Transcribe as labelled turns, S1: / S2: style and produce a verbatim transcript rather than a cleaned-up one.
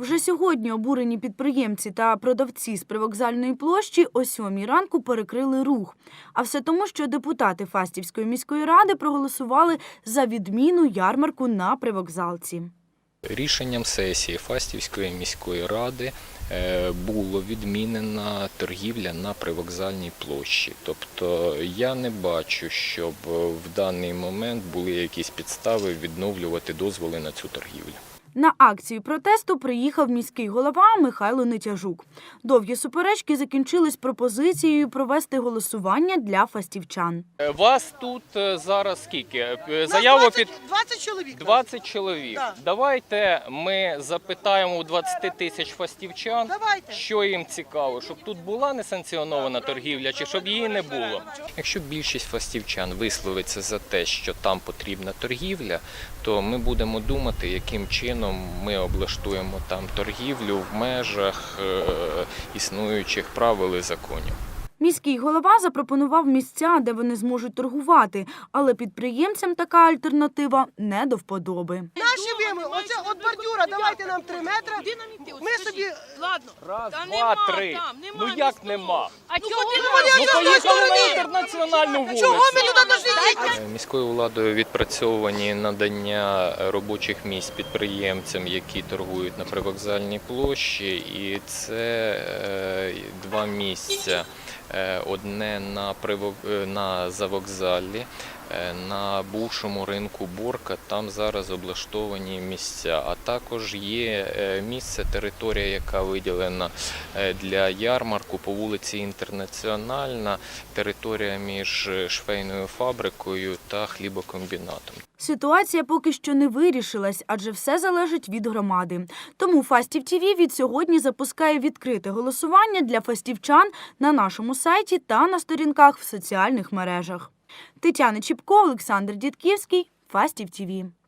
S1: Вже сьогодні обурені підприємці та продавці з привокзальної площі о сьомій ранку перекрили рух. А все тому, що депутати Фастівської міської ради проголосували за відміну ярмарку на привокзалці.
S2: Рішенням сесії Фастівської міської ради було відмінена торгівля на привокзальній площі. Тобто я не бачу, щоб в даний момент були якісь підстави відновлювати дозволи на цю торгівлю.
S1: На акцію протесту приїхав міський голова Михайло Нетяжук. Довгі суперечки закінчились пропозицією провести голосування для фастівчан.
S2: Вас тут зараз скільки? Заяву під
S3: двадцять чоловік.
S2: двадцять чоловік.
S3: Да.
S2: Давайте ми запитаємо у двадцяти тисяч фастівчан,
S3: Давайте.
S2: що їм цікаво, щоб тут була несанкціонована торгівля чи щоб її не було. Якщо більшість фастівчан висловиться за те, що там потрібна торгівля, то ми будемо думати, яким чином ми облаштуємо там торгівлю в межах е, існуючих правил і законів.
S1: Міський голова запропонував місця, де вони зможуть торгувати, але підприємцям така альтернатива не до вподоби.
S3: Наші вимоги, оце от бордюра, давайте нам три метри. Ми собі...
S4: Ладно.
S2: Раз,
S4: Та
S2: два,
S4: нема
S2: три.
S4: там, нема
S2: Ну
S4: міського.
S2: як нема?
S4: А чого
S3: Ну,
S4: нема?
S2: Ну поїхали на інтернаціональну вулицю.
S3: Чого ми туди дошли їхати?
S2: Міською владою відпрацьовані надання робочих місць підприємцям, які торгують на привокзальній площі, і це е, два місця. Одне на, привок... на завокзалі, на бувшому ринку Борка, там зараз облаштовані місця. А також є місце, територія, яка виділена для ярмарку по вулиці Інтернаціональна, територія між швейною фабрикою та хлібокомбінатом.
S1: Ситуація поки що не вирішилась, адже все залежить від громади. Тому Фастів ТІВІ від сьогодні запускає відкрите голосування для фастівчан на нашому сайті та на сторінках в соціальних мережах. Тетяна Чіпко, Олександр Дідківський, Фастів ТІВІ.